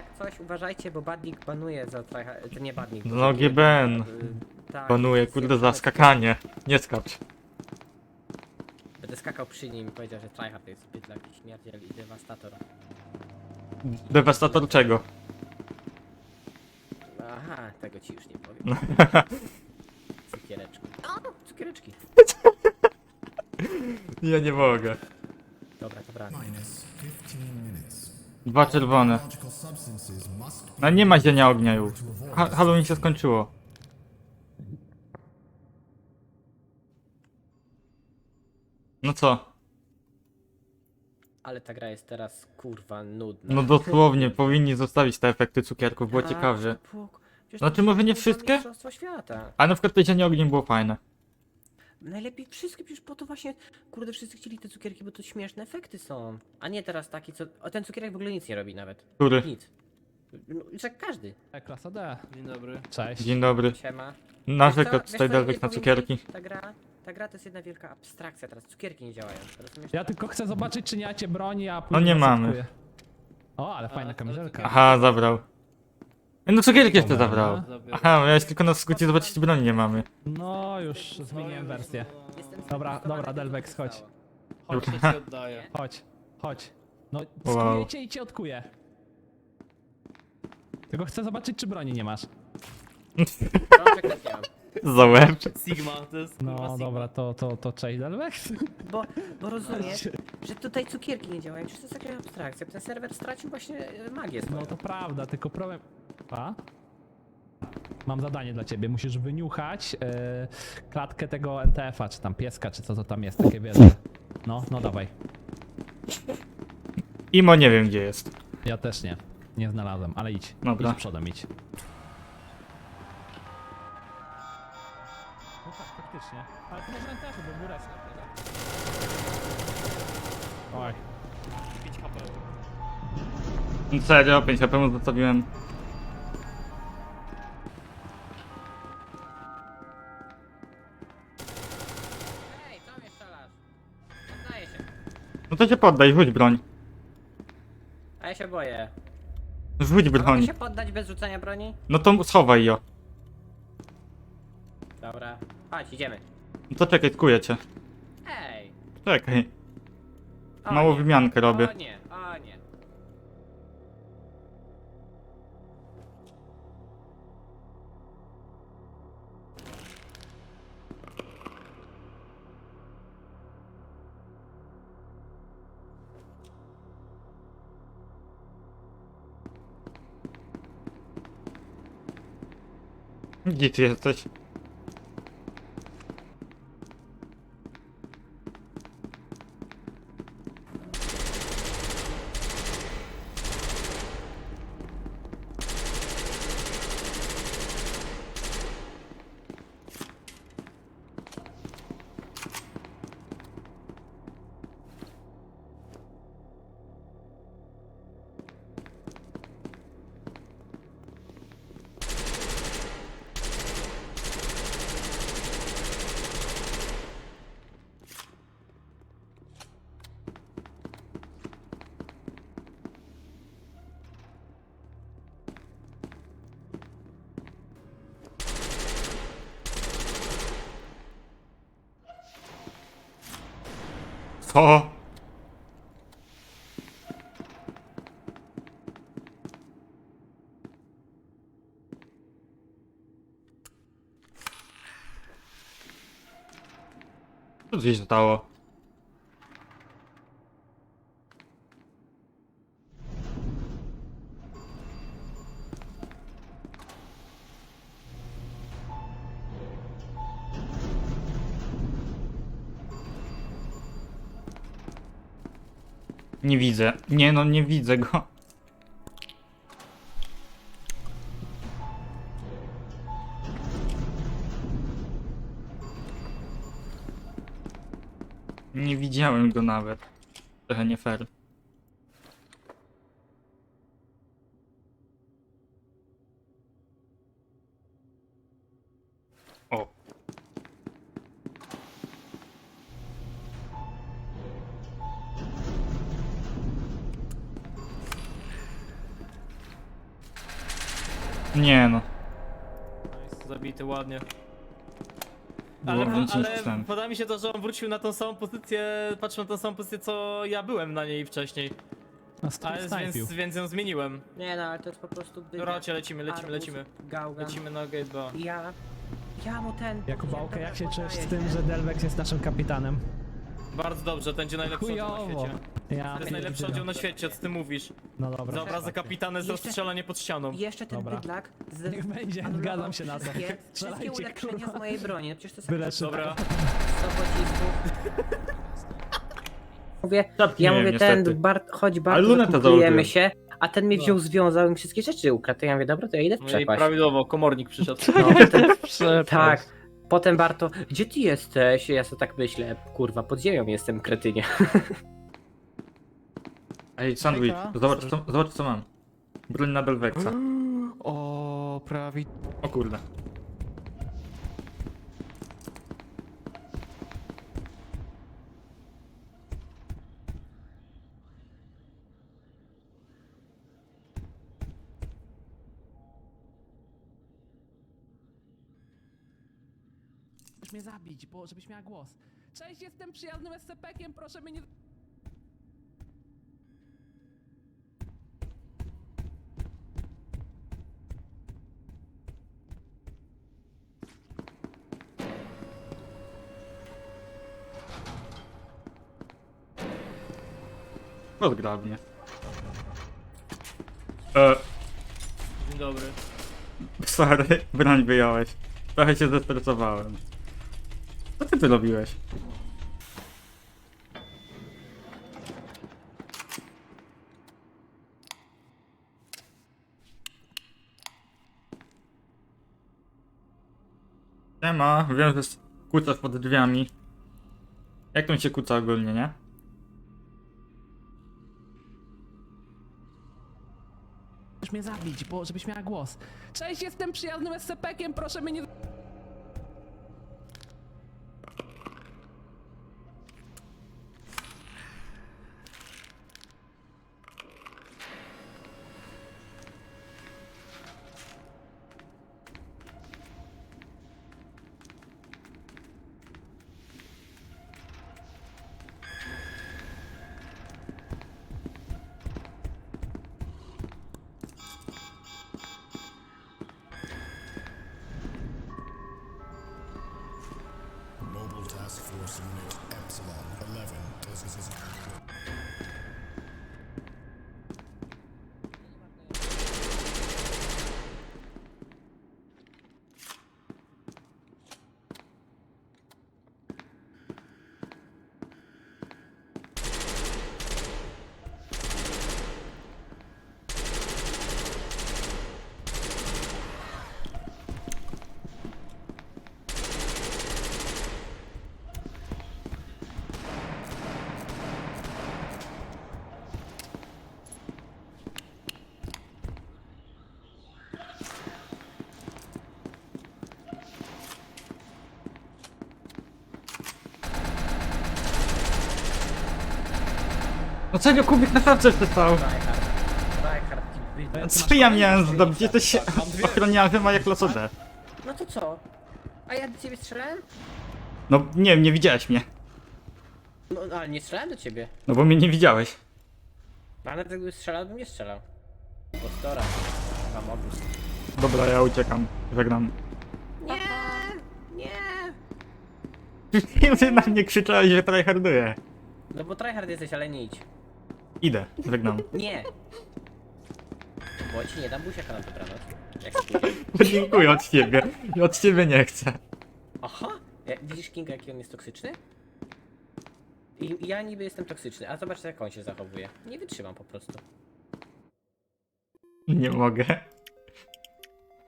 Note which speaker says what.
Speaker 1: coś uważajcie, bo badnik banuje za tryhard, to nie badnik.
Speaker 2: No GBN.
Speaker 1: Tak,
Speaker 2: Panuje, kurde, za skakanie. Nie skacz.
Speaker 1: Będę skakał przy nim i powiedział, że tryhard to jest bydlak i śmierdziel i dewastator.
Speaker 2: Dewastator czego?
Speaker 1: Aha, tego ci już nie powiem. Cukiereczki. O, cukiereczki.
Speaker 2: Ja nie mogę.
Speaker 1: Dobra, dobra.
Speaker 2: 2 czerwone. No nie ma zienia ognia już. Halloween się skończyło. No co?
Speaker 1: Ale ta gra jest teraz kurwa nudna.
Speaker 2: No dosłownie, powinni zostawić te efekty cukierków, było
Speaker 1: Tak,
Speaker 2: ciekawie.
Speaker 1: przecież
Speaker 2: Znaczy,
Speaker 1: to
Speaker 2: może nie
Speaker 1: są
Speaker 2: wszystkie?
Speaker 1: Mistrzostwa świata.
Speaker 2: A na przykład to zienie ognia było fajne.
Speaker 1: Najlepiej wszystkie, przecież po to właśnie, kurde, wszyscy chcieli te cukierki, bo to śmieszne efekty są. A nie teraz taki, co... O, ten cukierek w ogóle nic nie robi nawet.
Speaker 2: Który?
Speaker 1: Nic. No, jak każdy.
Speaker 3: Klasa D.
Speaker 4: Dzień dobry.
Speaker 3: Cześć.
Speaker 2: Dzień dobry.
Speaker 1: Siema.
Speaker 2: Narzekać
Speaker 1: Wiesz
Speaker 2: tutaj
Speaker 1: co,
Speaker 2: Delwek
Speaker 1: nie
Speaker 2: na
Speaker 1: powinni-
Speaker 2: cukierki.
Speaker 1: Ta gra to jest jedna wielka abstrakcja, teraz cukierki nie działają. Rozumiesz?
Speaker 3: Ja tylko chcę zobaczyć, czy nie macie broni, a
Speaker 2: No
Speaker 3: później
Speaker 2: nie
Speaker 3: zacytuję.
Speaker 2: mamy.
Speaker 3: O, ale fajna
Speaker 4: ale
Speaker 3: kamizelka.
Speaker 2: Aha, zabrał. No cukierki jeszcze
Speaker 3: Dobra,
Speaker 2: zabrał.
Speaker 4: Zabiorę.
Speaker 2: Aha, ja tylko na skrócie zobaczyć, czy broni nie mamy.
Speaker 3: No, już zmieniłem wersję.
Speaker 1: Jestem
Speaker 3: Dobra,
Speaker 1: zafrustrowany
Speaker 3: dobra,
Speaker 1: tym,
Speaker 3: Delvex,
Speaker 1: co się
Speaker 3: chodź.
Speaker 1: stało.
Speaker 4: Chodź, to ci oddaję.
Speaker 3: Chodź, chodź. No,
Speaker 2: Wow.
Speaker 3: skujecie i cię odkuję. Tylko chcę zobaczyć, czy broni nie masz.
Speaker 1: Rączek też nie mam.
Speaker 2: Za łeb.
Speaker 4: Sigma, to jest kurwa
Speaker 3: No,
Speaker 4: Sigma.
Speaker 3: dobra, to cześć, Delvex.
Speaker 1: Bo rozumiesz, że tutaj cukierki nie działają, przecież to jest taka abstrakcja. Ten serwer stracił właśnie magię swoją.
Speaker 3: No to prawda, tylko problem... A? Mam zadanie dla ciebie, musisz wyniuchać klatkę tego NTF-a, czy tam pieska, czy co to tam jest, takie wiesz. No dawaj.
Speaker 2: Imo nie wiem gdzie jest.
Speaker 3: Ja też nie znalazłem, ale idź.
Speaker 2: Dobra.
Speaker 3: Idź przodem, idź. No tak, faktycznie. Ale to może NTF-u, bo był resnet. Oj.
Speaker 4: 5 HP.
Speaker 2: Serio, 5 HP mu zostawiłem.
Speaker 1: Ej, co mnie strzelasz? Poddaję się.
Speaker 2: No to się poddaj, rzuć broń.
Speaker 1: A ja się boję.
Speaker 2: Rzuć
Speaker 1: A mogę
Speaker 2: broń.
Speaker 1: się poddać bez rzucania broni?
Speaker 2: No to schowaj ją.
Speaker 1: Dobra. Chodź, idziemy.
Speaker 2: No to czekaj, tkuję cię.
Speaker 1: Ej.
Speaker 2: Czekaj.
Speaker 1: O
Speaker 2: Małą
Speaker 1: nie.
Speaker 2: wymiankę robię.
Speaker 1: O nie, o nie.
Speaker 2: Gdzie ty jesteś? Co? Co tu się stało? Nie widzę. Nie no, nie widzę go. Nie widziałem go nawet. Trochę nie fair. O. Nie no.
Speaker 4: Zabity ładnie.
Speaker 2: Było więcej niż
Speaker 4: Ale
Speaker 2: myślałem.
Speaker 4: podoba mi się to, że on wrócił na tą samą pozycję, patrzył na tą samą pozycję, co ja byłem na niej wcześniej.
Speaker 3: No,
Speaker 4: Ale
Speaker 3: snajpił.
Speaker 4: więc ją zmieniłem.
Speaker 1: Nie no, ale to jest po prostu bydlak.
Speaker 4: Dobra, chodźcie, lecimy.
Speaker 1: Gałgan.
Speaker 4: Lecimy na gate 2.
Speaker 1: Ja mu ten...
Speaker 3: Jakubałkę, jak się
Speaker 1: dobra,
Speaker 3: czujesz z
Speaker 1: podaję,
Speaker 3: tym,
Speaker 1: nie?
Speaker 3: że Delvex jest naszym kapitanem?
Speaker 4: Bardzo dobrze, to będzie najlepszy oddział na
Speaker 3: Chujowo.
Speaker 4: świecie.
Speaker 3: Ja
Speaker 4: To jest najlepszy oddział na świecie, co ty mówisz?
Speaker 3: No dobra.
Speaker 4: Za obrazę kapitana jest
Speaker 1: Jeszcze-
Speaker 4: rozstrzelanie pod ścianą.
Speaker 1: I jeszcze ten
Speaker 3: Dobra.
Speaker 1: bydlak
Speaker 3: Niech będzie,
Speaker 1: anulował
Speaker 3: zgadzam się na to.
Speaker 1: Wszystkie
Speaker 3: Strzelajcie,
Speaker 1: ulepszenia
Speaker 3: kurwa.
Speaker 1: z mojej broni. No przecież to jest
Speaker 3: Byle
Speaker 1: jak
Speaker 3: szybko.
Speaker 4: Dobra.
Speaker 1: 100 pocisków. Mówię,
Speaker 2: Czapki
Speaker 1: ja
Speaker 2: miałem,
Speaker 1: mówię,
Speaker 2: niestety.
Speaker 1: chodź
Speaker 2: Ale
Speaker 1: Bart,
Speaker 2: lunetę
Speaker 1: zakuplujemy
Speaker 2: założyłem.
Speaker 1: się, a ten mnie wziął, związał i mi wszystkie rzeczy ukradł. To ja mówię, dobra, to ja idę w
Speaker 4: No i
Speaker 1: przepaść.
Speaker 4: prawidłowo, komornik przyszedł.
Speaker 1: No, potem, tak. Potem Barto, gdzie ty jesteś? Ja sobie tak myślę, kurwa, pod ziemią jestem, kretynie.
Speaker 2: Ej, sandwich, zobacz co mam. Broń na Delvexa.
Speaker 4: O, prawi.
Speaker 2: O kurde.
Speaker 3: Możesz mnie zabić, bo żebyś miała głos. Cześć, jestem przyjaznym SCP-kiem, proszę mnie nie...
Speaker 2: Rozgrabnie.
Speaker 4: Dzień dobry.
Speaker 2: Sorry, broń wyjąłeś. Trochę się zestresowałem. Co ty tu robiłeś? Siema, wiem, że kucasz pod drzwiami. Jak tam się kuca ogólnie, nie?
Speaker 3: Możesz mnie zabić, bo żebyś miała głos. Cześć, jestem przyjaznym SCP-kiem, proszę mnie nie...
Speaker 5: Mobile Task Force Unit Epsilon 11. This is
Speaker 2: No czego Kubik na szafce przestał?
Speaker 1: Tryhard, ty bydlak.
Speaker 2: Co ja miałem zdobyć? Jesteś ochroniarzem, a jak losodę.
Speaker 1: No to co? A ja do ciebie strzelałem?
Speaker 2: No nie wiem, nie widziałeś mnie.
Speaker 1: No ale nie strzelałem do ciebie.
Speaker 2: No bo mnie nie widziałeś.
Speaker 1: A nawet jakby strzelał, bym nie strzelał. Postora. Tam obóz.
Speaker 2: Dobra, ja uciekam. Żegnam.
Speaker 1: Nie! Nie!
Speaker 2: Ty na mnie krzyczałeś, że tryharduję.
Speaker 1: No bo tryhard jesteś, ale nie idź.
Speaker 2: Idę, żegnam.
Speaker 1: Nie! Bo ci nie dam buziaka na dobranoc. Jak pójdzie.
Speaker 2: Dziękuję od ciebie. Od ciebie nie chcę.
Speaker 1: Aha! Widzisz Kinga, jaki on jest toksyczny? I ja niby jestem toksyczny, a zobacz jak on się zachowuje. Nie wytrzymam po prostu.
Speaker 2: Nie mogę.